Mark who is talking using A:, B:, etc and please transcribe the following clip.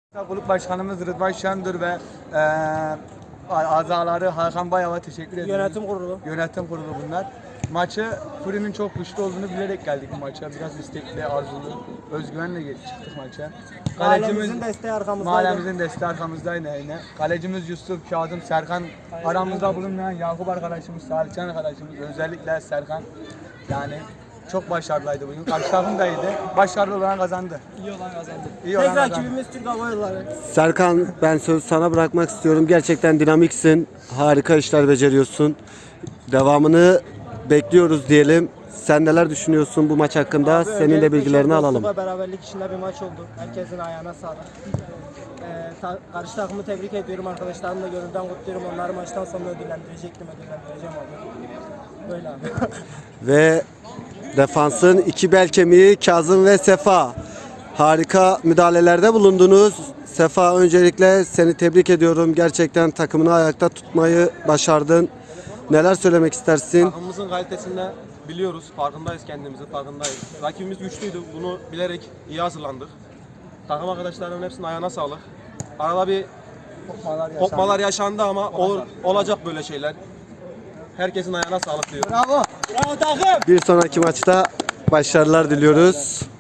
A: Kulüp Başkanımız Rıdvan Şendur ve azaları Hakan Bayav'a teşekkür ediyoruz.
B: Yönetim kurulu.
A: Yönetim kurulu bunlar. Maçı Furi'nin çok güçlü olduğunu bilerek geldik bu maça. Biraz istekli, arzulu, özgüvenle çıktık maça.
B: Mahallemizin desteği arkamızdaydı.
A: Mahallemizin desteği arkamızdaydı yine. Kalecimiz Yusuf, Kazım, Serkan, aramızda bulunmayan Yakup arkadaşımız, Salihcan arkadaşımız, özellikle Serkan. Yani çok başarılıydı bugün. Karşı takım da iyiydi. Başarılı olan kazandı.
B: İyi olan kazandı.
A: İyi olan
B: Tek
A: kazandı.
B: rakibimiz Türk Hava Yolları.
C: Serkan, ben sözü sana bırakmak istiyorum. Gerçekten dinamiksin. Harika işler beceriyorsun. Devamını bekliyoruz diyelim. Sen neler düşünüyorsun bu maç hakkında?
B: Abi,
C: Senin de
B: öncelikle
C: bilgilerini
B: çok
C: alalım.
B: dostluk ve beraberlik içinde bir maç oldu. Herkesin ayağına sağlık. Karşı takımı tebrik ediyorum. Arkadaşlarımı da gönülden kutluyorum. Onları maçtan sonra ödüllendireceğim abi. Böyle abi.
C: Ve defansın iki bel kemiği Kazım ve Sefa. Harika müdahalelerde bulundunuz. Sefa, öncelikle seni tebrik ediyorum. Gerçekten takımını ayakta tutmayı başardın. Neler söylemek istersin?
D: Takımımızın kalitesinde biliyoruz, farkındayız, kendimizin farkındayız. Rakibimiz güçlüydü, bunu bilerek iyi hazırlandık. Takım arkadaşlarımın hepsinin ayağına sağlık. Arada bir kopmalar yaşandı ama olacak böyle şeyler. Herkesin ayağına sağlık diyorum.
B: Bravo. Bravo takım.
C: Bir sonraki maçta başarılar diliyoruz.